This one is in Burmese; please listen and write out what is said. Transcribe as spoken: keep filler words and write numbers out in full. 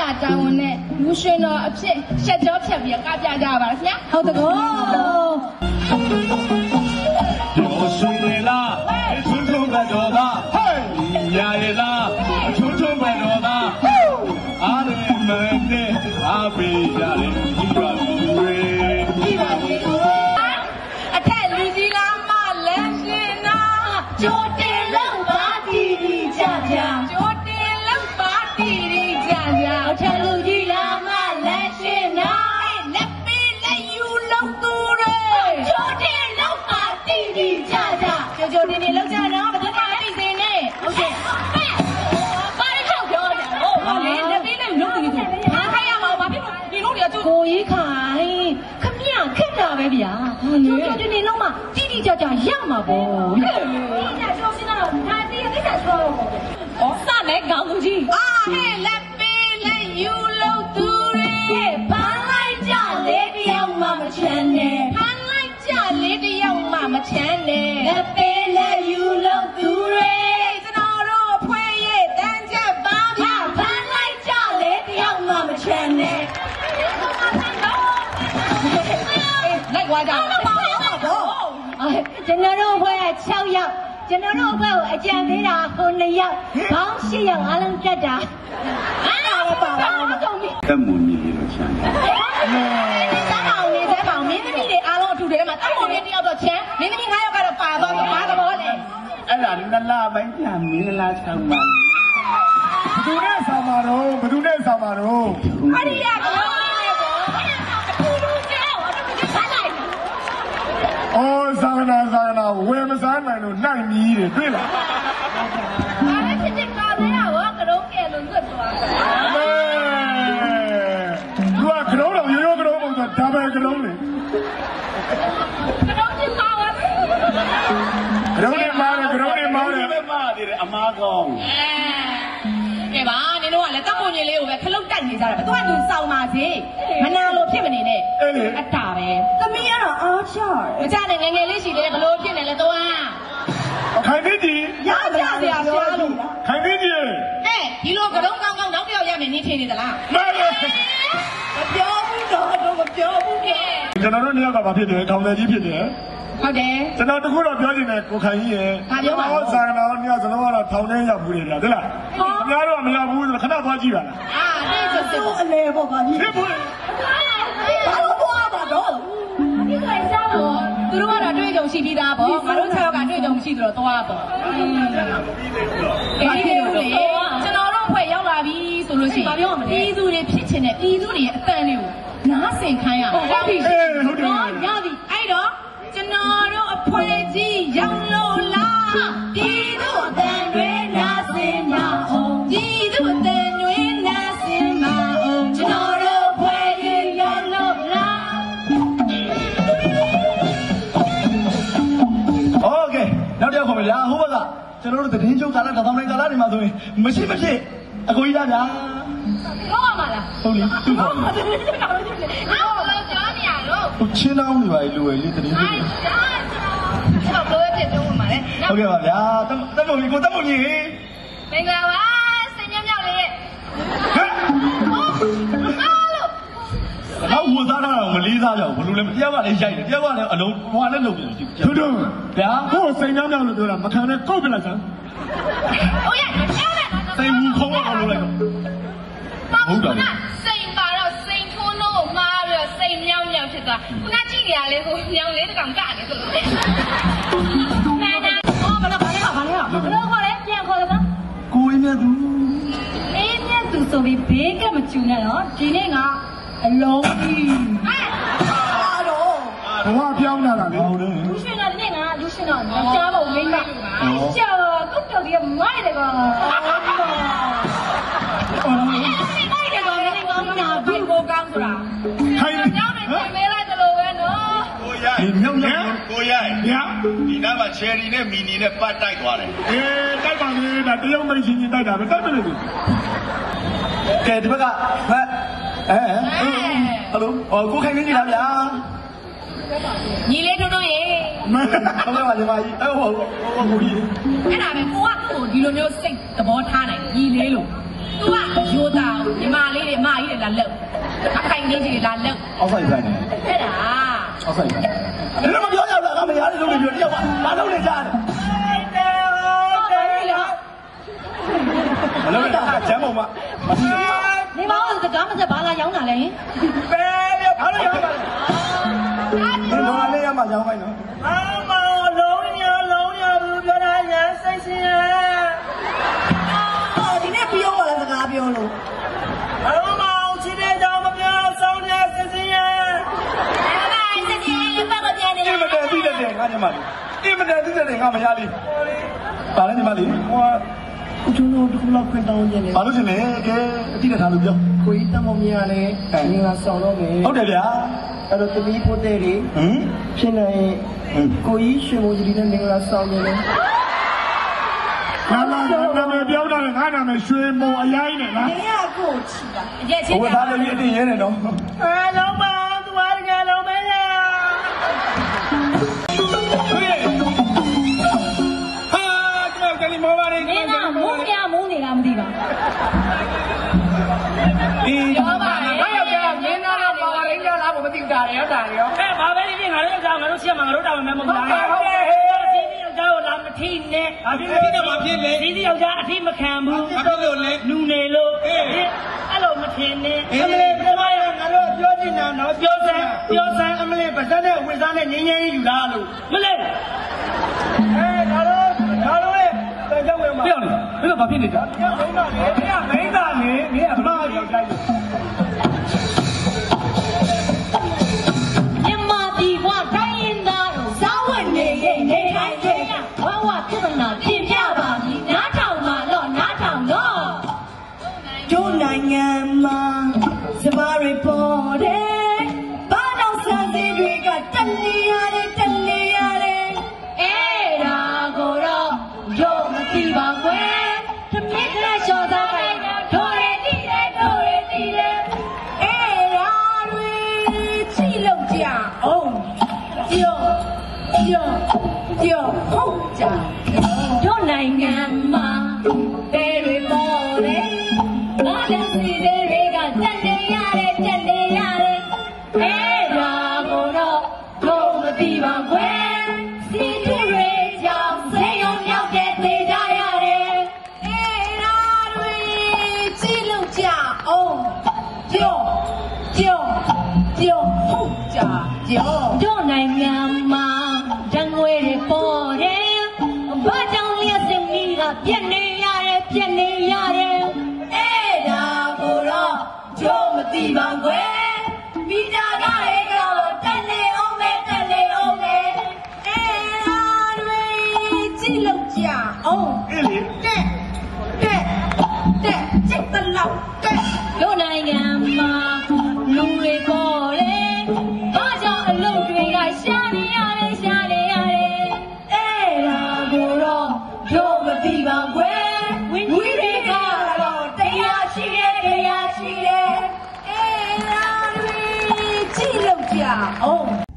တောင်းနဲ့လူရှင်တော်အဖြစ်ရှက်ကြောဖြတ်ပြီးကပြကြပါလားခင်ဗျာဟုတ်တကောတော်ဆွေလားချုံချုံပဲတော်သားဟေးညာရလားချုံချုံပဲတော်သားအားရမနဲ့အားပေးကြတယ်ဒီပါဘူးရေဒီပါဘူးအထက်လူကြီးလားမလဲရှင်နာကြိုတင်လောက်ပါတီတီကြကြကြိုတင်လောက်ပါတီတီကြကြအထက်လူကြီးလားမလဲရှင်နာလက်ပေးလက်ယူလောက်သူတွေကြိုတင်လောက်ပါတီတီကြကြကြိုကြိုတင်တင်လောက်ကြတော့ဘယ်သူမှမသိစေနဲ့ဟုတ်ကဲ့ပါရခောက်ပြောကြဟုတ်ပါလေလက်ပေးလက်ယူလောက်သူတွေဘာခိုင်းရမှာဘာဖြစ်လို့ဒီလိုတွေကကိုကြီးခိုင်းခမရခက်တာပဲဗျာကြိုကြိုတင်တင်လောက်မှတီတီကြကြရမှာပေါ့ဟဲ့ညကျော်စင်းတော့ဒါတီးကိစ္စဆိုတော့ဩစနဲ့ကောင်းလူကြီးအာဟဲ့လက်ပေးလက်ယူလို့သူတွေဖမ်းလိုက်ကြလေတယောက်မှမချမ်းနဲ့ဖမ်းလိုက်ကြလေတယောက်မှမချမ်းနဲ့လက်ပေးလက်ယူလို့သူတွေကျွန်တော်တို့ဖွဲ့ရဲ့တန်းချက်ပါဗျာဖမ်းလိုက်ကြလေတယောက်မှမချမ်းနဲ့လိုက်သွားကြတော့ပါတော့ကျွန်တော်တို့ဖွဲ့၆ယောက်ကျွန်တော်တို့ဘက်ကိုအကြံပေးတာဟိုနှစ်ယောက်ဘောင်း၈ယောက်အားလုံးတက်တာအဲ့ဒါလည်းပါပါတော့တက်မွန်ကြီးလို့ချမ်းတယ်တက်မောင်နေတက်မောင်မင်းသမီးတွေအားလုံးအထူတယ်မှာတက်မောင်လေးတယောက်တော့ချမ်းမင်းသမီး၅ယောက်ကတော့ပါသွားတော့ဘာသဘောလဲအဲ့ဒါနလပိုင်းပြန်မင်းလားချမ်းပါဘသူနဲ့ဆောင်ပါတော့ဘသူနဲ့ဆောင်ပါတော့အရိယာကတော့အော်ဇာနာဇာနာဝယ်မစားနိုင်လို့နိုင်မြည်တယ်တွေ့လားဘာလဲဖြစ်ဖြစ်ကာသေးတာရောကရုံးကဲလို့လွတ်သွားတယ်မဲသူကကရုံးတော့ရိုးရိုးကရုံးပုံစံဒါပဲကရုံးလေကရုံးချင်းပါပါကရုံးနဲ့မားတယ်ကရုံးနဲ့မားတယ်ပဲမားတယ်အမားကောင်းကဲပါနင်တို့ကလည်းတပ်ပုံကြီးလေးကိုပဲခလုတ်တိုက်နေကြတာပဲသူကသူစောင်းပါစေမနာလို့ဖြစ်မနေနဲ့အတာပဲသမီးကတော့အားချမကြနဲ့ငယ်ငယ်လေးရှိသေးတယ်ဘလို့ဖြစ်နေလဲသွားခိုင်သိကြီးရကြစရာရှားလို့ခိုင်သိကြီးဟဲ့ဒီလိုကတုံးကောင်းကောင်းနောက်တစ်ယောက်ရမယ်နင်းထင်နေသလားမှန်တယ်မပြောဘူးတော့တော့မပြောဘူးကဲကျွန်တော်တို့နှစ်ယောက်ကဘာဖြစ်တယ်ခေါင်းထဲကြီးဖြစ်တယ်ဟုတ်တယ်ကျွန်တော်တခုတော့ပြောချင်တယ်ကိုခိုင်ကြီးရဲ့ဘာပြောပါလဲဇာနာညစလုံးကတော့ထောင်ထဲရောက်ဘူးလေဗျာဟုတ်လားခင်ဗျားတို့ကမရောက်ဘူးဆိုတော့ခဏသွားကြည့်ပါလားအာဒီဆိုအလေပေါ့ဗျာဒီဖြစ်ဘူးဘာလို့ပွားပါတော့ဒီခိုင်စားတော့သူတို့ကတော့တွေ့ကြုံရှိပြီးသားပေါ့ငါတို့၆ယောက်ကတွေ့ကြုံမရှိတော့သွားပေါ့အေးဟုတ်လေကျွန်တော်တို့ဖွဲ့ရောက်လာပြီဆိုလို့ရှိရင်ပြည်သူတွေဖြစ်ချင်တဲ့ပြည်သူတွေရဲ့အတန်တွေကိုနားဆင်ခိုင်းရအောင်ဟုတ်ပြီဟုတ်တယ်ရပြီအဲ့တော့ကျွန်တော်တို့အဖွဲကြီးရောက်လို့လားပြည်သူအတန်တွေနားဆင်ကြအောင်ပြည်သူအတန်တွေနားဆင်ကြအောင်ကျွန်တော်တို့အဖွဲကြီးရောက်လို့လားโอเคနောက်တစ်ယောက်ခေါ်မယ်ဗျာဟိုဘက်ကကျွန်တော်တို့သတင်းချုပ်ကာလတောင်းတိုင်းကာလတွေမှာဆိုရင်မရှိမဖြစ်အကိုကြီးသားဗျာဟုတ်ပါမလားဟုတ်လေသူ့ပါဟုတ်ပါဘူးကျွန်တော်တို့ပြောနေရတော့ချင်းတောင်းနေပါလေလူဝယ်လေးသတင်းချုပ်ကျွန်တော်ပြောပြပြောမှာလေဟုတ်ကဲ့ပါဗျာတက်မုံကြီးကိုတက်မုံကြီးမင်္ဂလာပါစင်မြမြောက်လေးဟဲ့တော့ဝသားတာတော့မလေးစားကြဘူးဘလို့လဲတယောက်ကလည်းရိုက်တယ်တယောက်ကလည်းအလုံးဟိုကလည်းလုံပြန်ကြည့်သူတို့ဗျာကိုစိန်များများလို့ပြောတာမခံနဲ့ကုတ်ပြလိုက်စမ်းဟုတ်ရဲ့စိန်ဘူးခုံးအောင်လုပ်လိုက်တော့ဟုတ်တယ်စိန်ပါတော့စိန်ထိုးလို့မှားပြီးတော့စိန်မြောက်မြောက်ဖြစ်သွားခုနကြည့်နေရလေကိုညောင်လေးတကောင်ကနေဆိုလို့နာနာအော်မလားဘာလဲဘာလဲဘယ်လိုခေါ်လဲပြန်ခေါ်လားကိုအင်းမြတ်သူအင်းမြတ်သူဆိုပြီးဘေးကမကျူနဲ့နော်ဒီနေ့ကအလုံးကြီးအားတော့ဘဝပြောင်းလာတာလေဟုတ်တယ်လူရှင်ကဒီနေ့ကလူရှင်တော့ကြားဖို့မိမအဲ့ကျော်ကုတ်တော်ကြီးမိုက်တယ်ကောင်အော်မိုက်တယ်ကောင်လည်းကောင်းတာဘယ်ကိုကောင်းဆိုတာခိုင်းကြောင်းနေပြင်မဲလိုက်တယ်လို့ပဲနော်ကိုရိုက်မြောက်မြောက်ကိုရိုက်ညာဒီနားမှာချယ်ရီနဲ့မီနီနဲ့ပတ်တိုက်သွားတယ်အေးတိုက်ပါလေဒါတယောက်မိတ်ချင်းချင်းတိုက်တာပဲတိုက်မလို့ကဲဒီဘက်ကဟဲ့အဲဟယ်လိုအော်ကိုခိုင်နေကြလားဗျာညီလေးတို့တို့ရေဟုတ်ကဲ့ပါညီမကြီးအဲ့ဟိုဟိုဟိုကြီးအဲ့ဒါပဲကိုကကိုဒီလိုမျိုးစိတ်သဘောထားနိုင်ညီလေးလို့သူကရိုးသားညီမလေးတွေအမကြီးတွေလာလှုပ်အခိုင်လေးကြီးတွေလာလှုပ်အောက်ဆိုင်ဆိုင်နေအဲ့ဒါအောက်ဆိုင်ဆိုင်လည်းမပြောရဘူးလားငါမရတဲ့လုပ်နေပြောတယောက်ကဘာလုပ်နေကြလဲမလုပ်တာကျမ်းပေါ်မှာမရှိဘူးနေမောင်စကားမစက်ဘာလာရောင်းတာလဲပဲဘာလို့ရောင်းတာလဲဒီတော့လေးရမှာရောင်းခိုင်းနော်အမလုံးရလုံးရဘူးပြောတာရစိတ်ရှင်အော်ဒီနေ့ပြောပါလားစကားပြောလို့အမချစ်တဲ့ကြောင့်မပြောဆောင်းရစိတ်ရှင် အမတန်ပြီးတဲ့ငါညီမလေးအမတန်ပြီးတဲ့ငါမရလေးပါလဲညီမလေးဟိုကကျွန်တော်တို့လောက်ခွင့်တောင်းနေတယ်ဘာလို့ရှင်လဲကဲအတိတ်ထားလို့ပြောကိုကြီးတမောင်မြရလဲငါဆောင်တော့မယ်ဟုတ်တယ်ဗျာအဲ့တော့တမီးပိုတဲ့တွေဟမ်ဖြစ်နေကိုကြီးရှင်မိုးကြီးနဲ့မင်္ဂလာဆောင်နေတယ်နာမနာမပြောတာငါနာမရွှေမုံအရိုင်းနဲ့လားမင်းကကိုချီတာအရက်ချင်းဟိုသားလေးအတင်းရဲနေတော့အဲလုံးပါသူအားကလုံးမဲရမောပါလေမင်းကမုန်းပြမုန်းနေတာမသိပါအေးပြောပါလေငါယောက်ျားမင်းသားတော့ပါပါရင်းကြလားကိုမသိတာရောတာရောအဲဘာပဲဖြစ်ငါတို့ယောက်ျားငါတို့ရှက်မှာငါတို့တာဝန်မဲမဟုတ်လားဟုတ်တယ်ဟေးစီးယောက်ျားကိုလာမထိနဲ့အဖြစ်မထိတော့မဖြစ်လေစီးယောက်ျားအထိမခံဘူးအဖြစ်လို့လေလူနေလို့အေးအဲ့လိုမထင်နဲ့အမလေးပြမရငါတို့ပြောချင်တာနော်ပြောစမ်းပြောစမ်းအမလေးပါဇက်နဲ့ဝေစားနဲ့ငင်းငင်းယူလာလို့မလေးအဲငါတို့ငါတို့ရဲ့ပြောင်းဝင်မှာပြောင်းနေဘယ်လိုဘာဖြစ်နေကြမိန်းမလေးမင်းကမိန်းသားနေမင်းအမရောက်ကြတယ်မြမဒီဘွားတိုင်းရင်သားစားဝတ်နေရဲ့နေတိုင်းတဲ့ဘဝပြဿနာပြင်ပြပါပြီနားထောင်မှာတော့နားထောင်တော့တို့နိုင်ငံမှာစပါးတွေပေါ်တယ်ဘာလို့စံစည်းတွေကတက်နေရတယ်တက်နေရတယ်အဲ့ဒါကိုတော့တို့မသိပါကွယ်တမစ်ကလေးချော်သားတိုင်းတို့ရည်တည်တယ်တို့ရည်တည်တယ်အဲ့ဒါတွေကြည့်လို့ကြအောင်ပြောပြောပြောဟုတ်ကြတို့နိုင်ငံမှာတဲတွေပေါ်တယ်ဘာလို့စီတွေကတက်နေရတယ်တက်နေရတယ်အဲ့ဒါကိုတော့တို့မသိပါကွယ်စီတွေကြောင့်ဆေးရုံရောက်တဲ့သေကြရတယ်အဲ့ဒါတွေကြည့်လို့ကြအောင်ပြောပြောပြောဟုတ်ကြပြောတို့နိုင်ငံမှာဓာတ်ငွေတွေပေါ်တယ်ဘာကြောင့်လျှက်စင်မီကပြက်နေရတယ်ပြက်နေရတယ်အဲ့ဒါကိုတော့တို့မသိပါကွယ်မိသားကလေးကတော့တက်နေအောင်ပဲတက်နေအောင်ပဲအဲ့ဒါတွေကြည့်လို့ကြအောင်အေးလေတက်တက်တက်စိတ်တလောက်တက်တို့နိုင်ငံမှာလူတွေပေါ်တယ်ဘာကြောင့်အလုပ်တွေကရှာနေရတယ်ရှာနေရတယ်အဲ့ဒါကိုတော့တို့မသိပါကွယ်ဝင်းကြီးတွေကတော့တရားရှိတယ်တရားရှိတယ်အဲ့ဒါတွေကြည့်လို့ကြအောင်